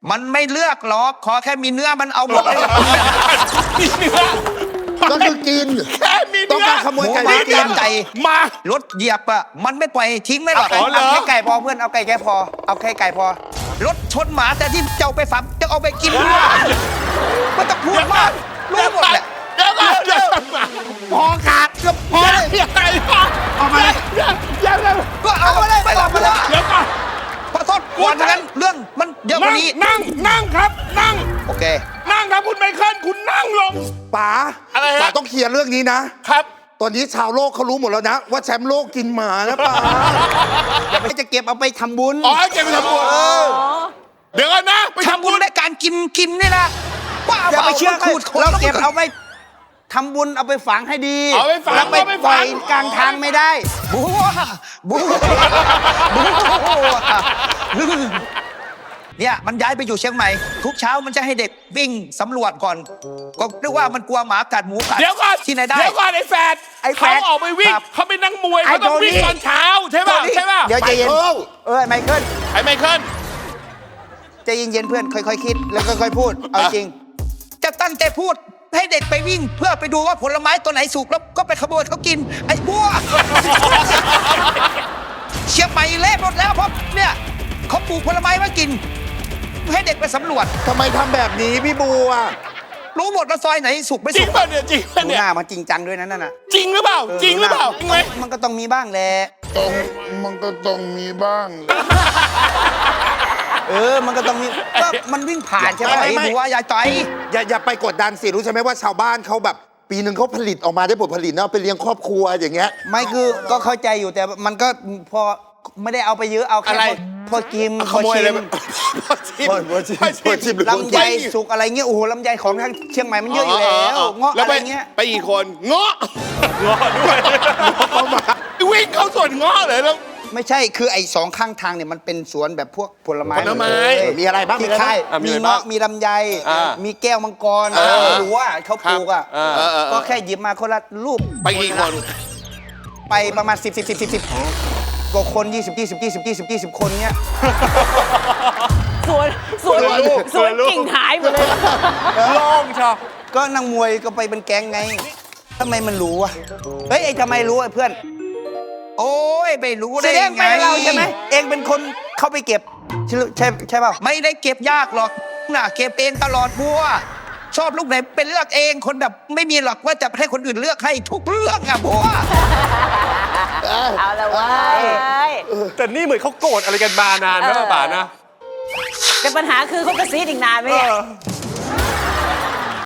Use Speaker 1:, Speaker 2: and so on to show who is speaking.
Speaker 1: มันไม่เลือกหรอกขอแค่มีเนื้อมันเอาหมดเลย
Speaker 2: มีเนื้อ
Speaker 3: ก็คือกิน
Speaker 2: แค่มี
Speaker 3: ต้อง
Speaker 2: เนื้อ
Speaker 3: การขโมยไก่
Speaker 1: หมู
Speaker 3: มากิน
Speaker 1: ไก่
Speaker 2: มาร
Speaker 1: ถเหยียบอ่ะมันไม่ปล่อยทิ้งไม่หรอก
Speaker 2: อ๋อเหรอ
Speaker 4: เอาแค่ไก่พอเพื่อนเอาไก่แค่พอเอาแค่ไก่พอ
Speaker 1: รถชนหมาแต่ที่เจ้าไปฝังจะเอาไปกินด้วยไม่ต้องพูดมากรู้หมดแหละ
Speaker 2: เดี๋ยวก่อนเดี๋ยวก่อน
Speaker 4: พอขาดก็พอเลย
Speaker 2: ยังไงวะ
Speaker 4: เอามาเลย
Speaker 2: ยังไง
Speaker 1: ก็เอาไปเลยไม่หลับมาแล้ว
Speaker 2: เดี๋ยวก่อน
Speaker 1: ขอโทษก่อนทั้งนั้นเรื่องมันเยอะกว่านี้
Speaker 2: นั่งครับนั่ง
Speaker 1: โอเค
Speaker 2: นั่งครับคุณไมเคิลคุณนั่งลง
Speaker 3: ป๋า
Speaker 2: อะไรฮะ
Speaker 3: ป๋าต้องเคลียร์เรื่องนี้นะ
Speaker 2: ครับ
Speaker 3: ตอนนี้ชาวโลกเขารู้หมดแล้วนะ ว่าแชมป์โลกกินหมานะป๋า
Speaker 4: อย่าไปจะเก็บเอาไปทำบุญ
Speaker 2: อ๋อเก็บไปทำบุญเดี๋ยวก่อนนะไปทำ
Speaker 1: ทำ
Speaker 2: บุ
Speaker 1: บุ
Speaker 2: ญ
Speaker 1: ญในการกินนี่นะว่า
Speaker 4: อย่าไปเชื่อ
Speaker 1: ขูดคน
Speaker 4: เรา
Speaker 1: แล้ว
Speaker 4: เก็บเอาไปทำบุญเอาไปฝังให้ดี
Speaker 2: เอาไปฝัง
Speaker 4: แล้วไป
Speaker 2: เอาไป
Speaker 4: ป
Speaker 2: ฝั
Speaker 4: ล่อย
Speaker 2: ง
Speaker 4: กลางทางไม่ได้
Speaker 1: บัวบัวเนี่ยมันย้ายไปอยู่เชียงใหม่ ทุกเช้ามันจะให้เด็กวิ่งสำรวจก่อน ก็นึกว่ามันกลัวหมากัดหมูกัด
Speaker 2: เดี๋ยวก่อน
Speaker 1: ที่ไหนได้
Speaker 2: เดี๋ยวก่อนไอ้แฟด
Speaker 4: ไอ้แฝ
Speaker 2: เขา
Speaker 4: ด
Speaker 2: ออกไปวิ่ง
Speaker 1: ครับ
Speaker 2: เขาเป็นนักมวย
Speaker 4: ไอ้
Speaker 2: เขาต้อง
Speaker 4: โทนี่
Speaker 2: วิ่งตอนเช้าใช่ป่ะ
Speaker 4: โทนี่
Speaker 2: ใช่ป่ะ
Speaker 4: เดี๋ยวใจเย็น
Speaker 3: ไมเคิล
Speaker 4: ไมเคิล
Speaker 2: ไอ้ไมเคิล
Speaker 4: ใจเย็นๆเพื่อนค่อยๆคิดแล้วค่อยๆพูดเอาจริง
Speaker 1: จะตั้งใจพูดให้เด็กไปวิ่ง เพื่อไปดูว่าผลไม้ตัวไหนสุกแล้วก็ไปขโมยเขากิน ไอ้บัว เชียงใหม่เละหมดแล้วเพราะเนี่ยเขาปลูกผลไม้มากิน ให้เด็กไปสำรวจ
Speaker 3: ทำไมทำแบบนี้พี่บัว
Speaker 1: รู้หมดว่าซอยไหนสุกไม่
Speaker 2: จริ
Speaker 1: สุ
Speaker 2: ง
Speaker 1: ก
Speaker 2: ป่ะเนี่ยจริงป่ะ
Speaker 4: ดู
Speaker 2: เนี่
Speaker 4: ห
Speaker 2: ย
Speaker 4: น้ามันจริงจังด้วยนะนั่นน่ะ
Speaker 2: จริงหรือเปล่าจริงหรือเปล่าจริงไหม
Speaker 4: มันก็ต้องมีบ้างแหละ
Speaker 3: มันก็ต้องมีบ้าง
Speaker 4: มันก็ต้องมีก็มันวิ่งผ่านใช่ไหม
Speaker 1: ไอ้บัวอย่าใจ
Speaker 3: อย่าไปกดดันสิรู้ใช่ไหมว่าชาวบ้านเขาแบบ ปีหนึ่งเขาผลิตออกมาได้ผลผลิตเนาะไปเลี้ยงครอบครัวอย่างเงี้ย
Speaker 4: ไม่คือก็เข้าใจอยู่แต่มันก็พอไม่ได้เอาไปเยอะเอาแค่
Speaker 2: อะไร
Speaker 4: พอกิน
Speaker 2: ขโมยอะไร
Speaker 4: พอชิม
Speaker 2: พอชิม
Speaker 3: พอชิม
Speaker 4: ลำไยสุกอะไรเงี้ยโอ้โหลำไยของทางเชียงใหม่มันเยอะอยู่แล้วเงาะ
Speaker 2: แล้ว
Speaker 4: อะไร
Speaker 2: ไป
Speaker 4: เงี้ย
Speaker 2: ไปอีกคนเงาะด้วยวิ่งเข้าสวนเงาะเลยแล้ว
Speaker 4: ไม่ใช่คือไอ้สองข้างทางเนี่ยมันเป็นสวนแบบพวกผลไม้
Speaker 2: ผลไม้
Speaker 4: เลย
Speaker 3: มีอะไรบ้าง
Speaker 4: ที่ค่าย
Speaker 2: อ่ะมี
Speaker 4: มี
Speaker 2: อะไรบ้าง
Speaker 4: เงาะมีลำไย
Speaker 2: อ่า
Speaker 4: มีแก้วมังกร
Speaker 2: เออ
Speaker 4: ไม่รู้ว่าเขาปลูกอ่ะ
Speaker 2: ครับ
Speaker 4: ก็แค่หยิบมาคนละลูก
Speaker 2: ไปกี่คน
Speaker 4: ไปประมาณ10กว่าคน20 คนเนี้ย
Speaker 5: สวนสวนกิ่งหายหมดเลย
Speaker 2: โล่งชอบ
Speaker 4: ก็นางมวยก็ไปเป็นแก๊งไงทำไมมันรู้อ่ะเฮ้ยไอ้ทำไมรู้ไอ้เพื่อน
Speaker 1: โอ้ยไม่รู้
Speaker 4: แส
Speaker 1: ได้
Speaker 4: ดงไปเราใช่ไหมเองเป็นคนเข้าไปเก็บใช่เปล่า
Speaker 1: ไม่ได้เก็บยากหรอกน่ะเก็บเองตลอดบัว ชอบลูกไหนเป็นเลือกเองคนแบบไม่มีหรอกว่าจะให้คนอื่นเลือกให้ทุกเรื่องอะบัว
Speaker 5: เอาละเว้ย
Speaker 2: แต่นี่เหมือนเขาโกรธอะไรกันมานานนะป่านะ
Speaker 5: แต่ปัญหาคือเขากระซีดอีกนานไหมเนี่ย